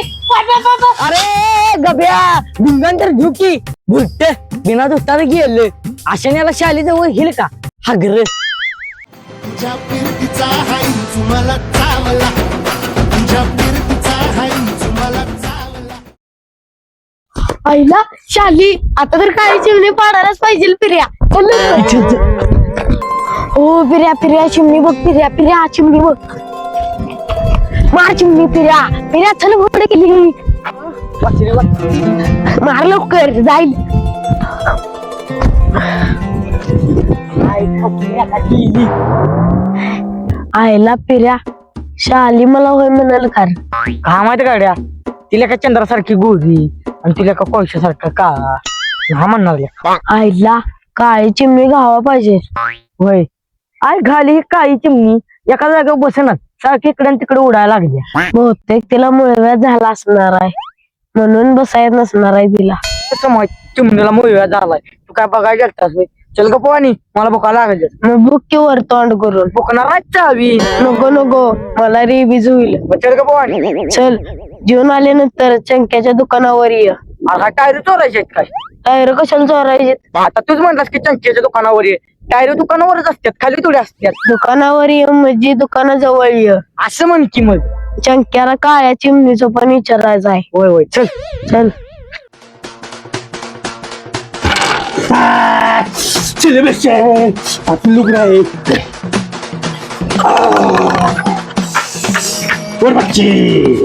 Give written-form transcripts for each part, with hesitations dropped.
अरे गब्या भिंगंतर झुकी भुट्ट बिना धुताना गेलं अशाने याला शालीजवळ हिल का हागर तुझ्या फिरतीचा हाई तुम्हाला चावला तुझ्या फिरतीचा हाई तुम्हाला चावला. आईला शाली आता तर काही चिमणी पाडायलाच पाहिजे फिर्या हो फिर्या फिर्या चिमणी बघ फिर्या फिर्या चिमणी बघ मार चिमणी फिर्या फिर्या चल पुढे केली मार लवकर जाईल आईला फिर्या शाली मला होय म्हणाल कारण का माहिती गाड्या तिला का चंद्रासारखी गोरी आणि तिला का कोळशासारखा काळा हा म्हणणार आईला काळी चिमणी घावा पाहिजे होय आय घाली ही काळी चिमणी एका जागेवर बसेनात सारखी इकडे तिकडे उडायला लागल्या बहुतेक तिला मुळव्याध झाला असणार आहे म्हणून बसायला नसणार आहे तिला कसं माहित चिमणीला मुळव्या झालाय तू काय बघायला गेलतास होय चल ग पोवानी मला भुका लागल मग बुक की वर तोंड करून भुकणार चावी नको नको मला रिबीज होईल चल ग पोवानी चल जेवण आल्यानंतर चंक्याच्या दुकानावर ये टायर चोरायचे आहेत काय टायर कशाला चोरायचे आता तूच म्हणलास की चंकीच्या दुकानावर ये टायर दुकानावरच असतात खाली थोडी असतात दुकानावर ये म्हणजे दुकानाजवळ ये असं म्हण की मग चंक्याला काळ्या चिमणीचं पण विचारायचं आहे होय होय चल चल चले बच्चे आप लोग रहे और बच्चे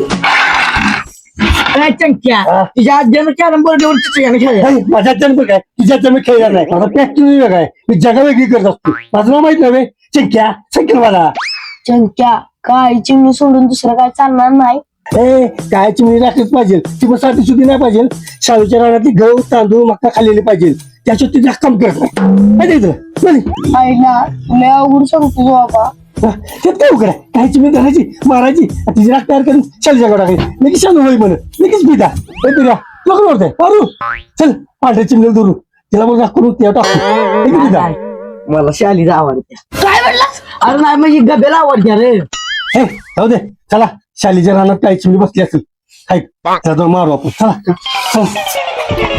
चंक्या तुझ्या आज्यानं कॅरम बोर्डवर चित्र खेळायला माझा जन्म काय तिचा जन्म खेळला नाही माझा फॅक्टरी वेगळा आहे मी जगा वेगळी करत असतो माझं नाव माहित नव्हे चंक्या सांगेल मला चंक्या काळी चिमणी सोडून दुसरं काय चालणार नाही काय चिमणी राखलीच पाहिजे ती पण साठी सुधी नाही पाहिजे शाळेच्या रानातली गहू तांदूळ मका खाल्लेली पाहिजे त्याच्यात ती काम करत नाही आईला लय अवघड सांगतो बाबा ते काय उघड आहे काही चिमणी धरायची मारायची तिची राख तयार करून शाळेच्या गाडा टाकायची लगेच शाळू होई म्हणे लगेच पिता पिता लग्न होतंय मारू चल पांढऱ्या चिमणीला धरू तिला मग राख करून त्या टाकू पिता मला शालीला आवडते काय म्हणलास अरे नाही म्हणजे गब्याला आवडते रे हे जाऊ दे चला शालीच्या रानात काही चिमणी बसली असेल हाय त्याला जाऊन मारू आपण चला चल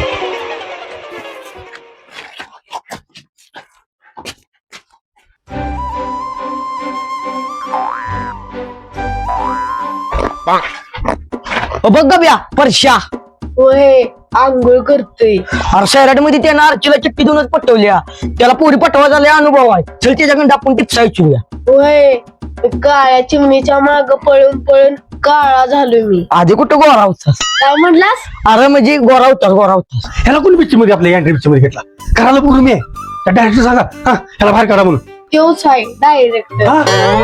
बघ गब्या परशा होय आंघोळ करतोय अरे शहरामध्ये त्यानं अर्चीला चिठ्ठी देऊनच पटवल्या त्याला पोरी पटवा झाला अनुभव आहे चल त्याच्याकडे आपण टिप्स ऐकूया होय काळ्या चिमणीच्या माग पळून पळून काळा झालो मी आधी कुठं गोरा होतास काय म्हणलास अरे म्हणजे गोरा होतास ह्याला कोणी पिक्चर मध्ये आपल्या एंट्री पिक्चर मध्ये घेतला करायला पूर्ण मी त्या डायरेक्टर सांगा हा ह्याला बाहेर काढा म्हणून तोच आहे डायरेक्ट हा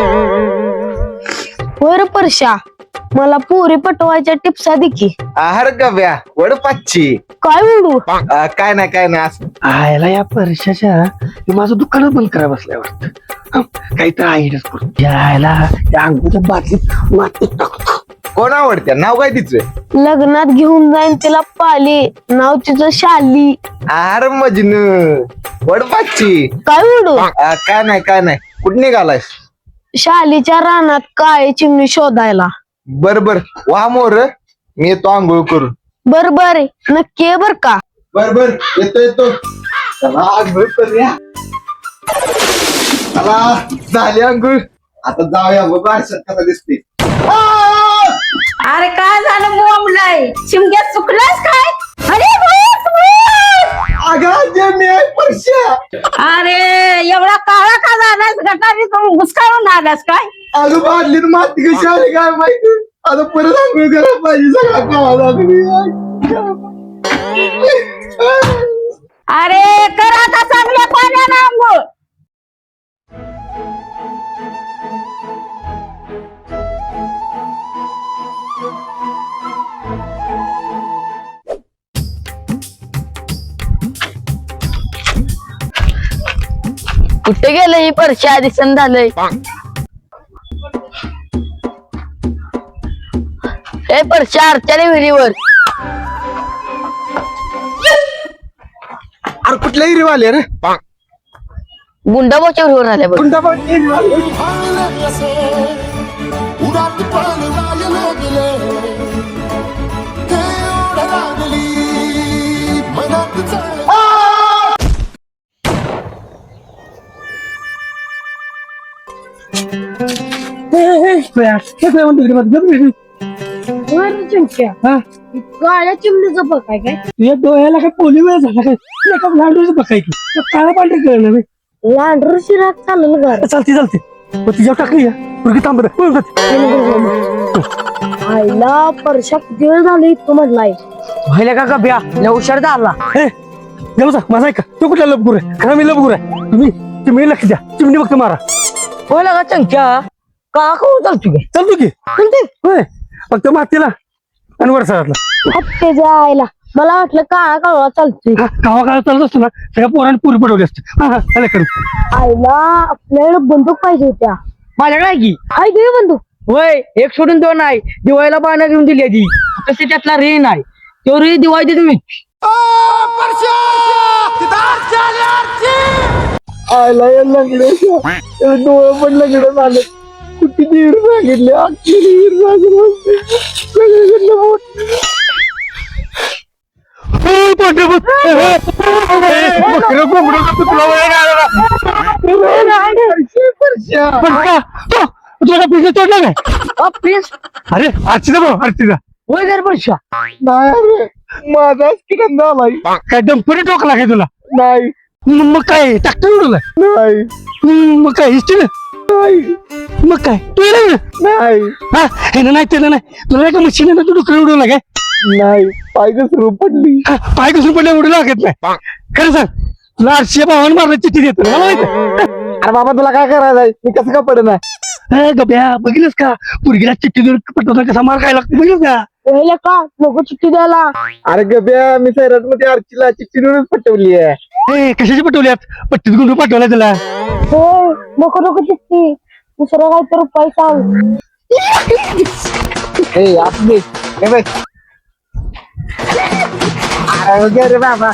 होय रे परशा मला पुरी पटवायच्या टिप्स दे की आहार गव्या वड पाचची काय म्हणू काय नाही असं आयला या परशाच्या माझं दुकानच बंद करा बसलाय वाटतं काहीतरी आयडियाच करू यायला त्या अंगूच्या बाटलीत मातीत टाकतो कोण आवडत्या नाव काय तिचं लग्नात घेऊन जाईन तिला पाली नाव तिचं शाली आहार मजनू वड पाचची काय म्हणू काय नाही कुठं निघालायस शालीच्या रानात काळी चिमणी शोधायला बर वा मोर मी येतो आंघोळ करून बर बर नक्की आहे बर का बर येतो चला आंघोळ करूया चला झाली आंघोळ आता जाऊया बाबा कसा दिसते अरे काय झालं बोंबलाय शिमग्यात चुकलास काय अरे अरे एवढा काळा का झालास गटारी घुसकाळून आलास काय अगं बादलीत माती कशी आली काय माहिती आता परत आंघोळ करायला पाहिजे सगळा काळा लागली अरे कर आता चांगल्या पाण्यानं आंघोळ कुठे गेलं ही परशा दिसन झालंय हे परशा अर्चाने विहिरीवर अरे कुठल्या हिरीवाले रे गुंडाबाच्या विहिरीवर झाल्या बघ उडात पळून गेले बसतोय काय म्हणतो तिकडे माझं बरं चिमक्या हा काळ्या चिमणीचं बघ काय काय तुझ्या डोळ्याला काय पोली वेळ झाला काय एका लांडूचं बघायची काळा पांढरे कळलं नाही लांडर शिरात चाललं घर चालते मग तिच्यावर टाकली पुरगी थांबत आईला परशा किती वेळ झाली इतकं म्हटलाय व्हायला का गब्या लय हुशार झाला माझा ऐका तो कुठला लपगुर आहे खरा मी लपगुर आहे तुम्ही चिमणी लक्ष द्या चिमणी फक्त मारा होय का चंक्या का करू चालतो गे चालतो की होय फक्त मातीला आणि वरसाळातला त्याच्या आईला मला वाटलं काळा काळा चालतोय गावा काळात चालत असतो ना सगळ्या पोरांनी पुरी पडवली असते हा करू आईला आपल्याकडे बंदूक पाहिजे होत्या माझ्याकडे आहे की आई घे बंदूक होय एक सोडून दोन आहे दिवाळीला बाणा घेऊन दिली आधी तसे त्यातला रे नाही तो रे दिवाळी देतो मी आयला या लंगड्याच्या डोळं पण लंगडं झालं कुठे दीड सांगितले अख्खी दीड तोडला काय प्लीज अरे आरतीचा भाऊ आरतीचा होय घर परशा नाही रे माझाच किरण झालाय काय डंपरी टोकला काय तुला नाही मग काय ट्रॅक्टर उडवलाय नाही मग काय हिस्ट्री नाही मग काय तू येणार नाही हा हे नाही त्याला नाही तुला नाही का मशीन आहे ना तू डुकर उडवला काय नाही पाय घसरू पडली पाय कसून पडल्या उडू लागत नाही खरं सांग तुला 800 भावानं मारला चिठ्ठी देतो मला माहिती अरे बाबा तुला काय करायचंय मी कसं का पडणार गब्या बघितलंस का पुरगीला चिठ्ठी देऊन पटवता कसा मार खायला लागतो बघितलंस का पहिलं का नको चिठ्ठी द्यायला अरे गब्या मी सैराट मध्ये आरचीला चिठ्ठी देऊनच पटवली आहे कशाची पटवल्यात पट्टीत गुंडू पाठवलाय त्याला होय नको चिठ्ठी दुसरा काहीतरी उपाय सांग आपली अरे बाबा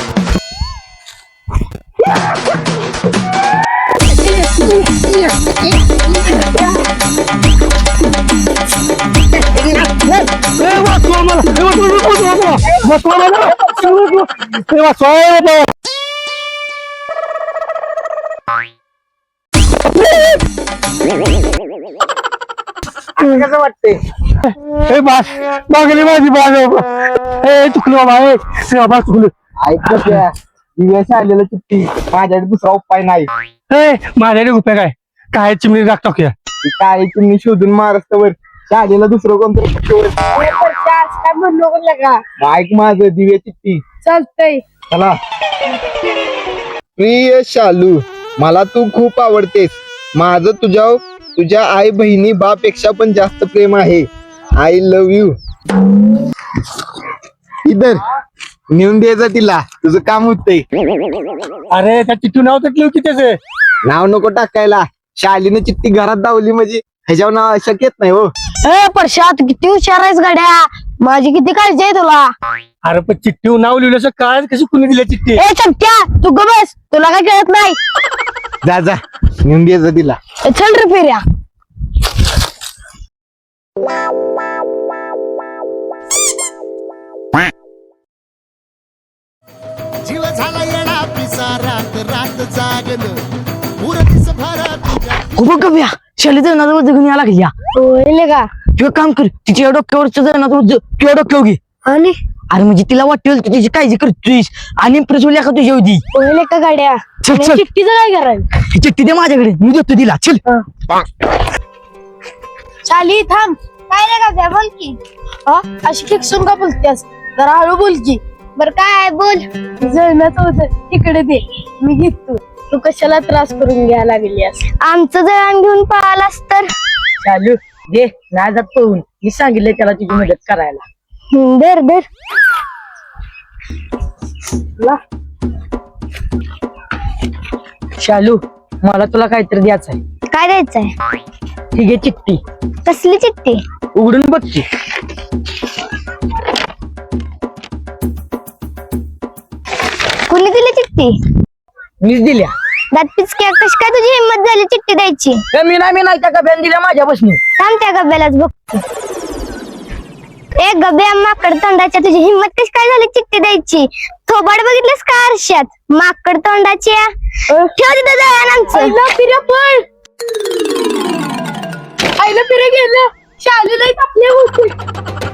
कसं वाटते मागली माझी बाग चुकलो बाबा चुकलो ऐक दिव्याशी आलेलं चिठ्ठी माझ्याकडे दुसरा उपाय नाही माझ्याकडे उपाय काय चिमणी राख टाकूया काय चिमणी शोधून महाराष्ट्रावर शाळेला दुसरं कोणतरी पटवलं. काय म्हणू नको ऐक माझं दिव्या चिठ्ठी चालतंय चला प्रिय शालू मला तू खूप आवडतेस माझं तुझ्या आई बहिणी बापेक्षा पण जास्त प्रेम आहे आय लव्ह यू इधर नेऊन द्यायचं तिला तुझं काम होतंय अरे त्या चिठ्ठी नाव तर की त्याचे नाव नको टाकायला शालीनं चिठ्ठी घरात दावली म्हणजे ह्याच्यावर नाव शक्यत नाही हो परशात किती हुशार आहेस गड्या माझी किती काळजी आहे तुला अरे पण चिठ्ठी नाव लिहिलं काय कशी कुणी दिल्या चिठ्ठी ए चट्ट्या तू ग बस तुला काय कळत नाही जा नेऊन द्यायचं तिला चल रे फेऱ्या जीव झाला येडा पिसा रात रात जागन पुरतीस भरा तुझ्या खूप गब्या शाली जणावर जगून या लागल्या होईल का तू एक काम कर तिच्या डोक्यावरचं जणावर तुझ्या डोक्यावर घे आणि अरे म्हणजे तिला वाटेल तू तिची काळजी करतोयस आणि प्रज्वल्या का तुझ्या होती होईल का गाड्या चल, चल. चिठ्ठीचं काय करायचं ही चिठ्ठी दे माझ्याकडे मी देतो तिला चल चाली थांब काय रे का बोल की अशी फिक्सून का बोलतेस जरा हळू बोल की बर काय बोल जळणाचं होतं तिकडे दे मी घेतो तू कशाला त्रास करून घ्यायला लागलीस आमचं जळण घेऊन पळालास तर चालू दे नाही जात पळून मी सांगितलंय त्याला तुझी मदत करायला दर दर शालू मला तुला काहीतरी द्यायचं आहे काय द्यायचंय ठीक आहे चिठ्ठी कसली चिठ्ठी उघडून बघची कुणी दिली चिठ्ठी मीच दिल्या दात पिचक्या कशी काय तुझी हिंमत झाली चिठ्ठी द्यायची मी नाही त्या गब्यान दिल्या माझ्यापासून थांब त्या गब्यालाच बघ ए गब्या माकड तोंडाच्या तुझी हिंमत कशी काय झाली चिठ्ठी द्यायची थोबाड बघितलंस का आरशात माकड तोंडाची ठेव तिथं जळण आमचं आईला फिरे गेलं शालू लई आपले होते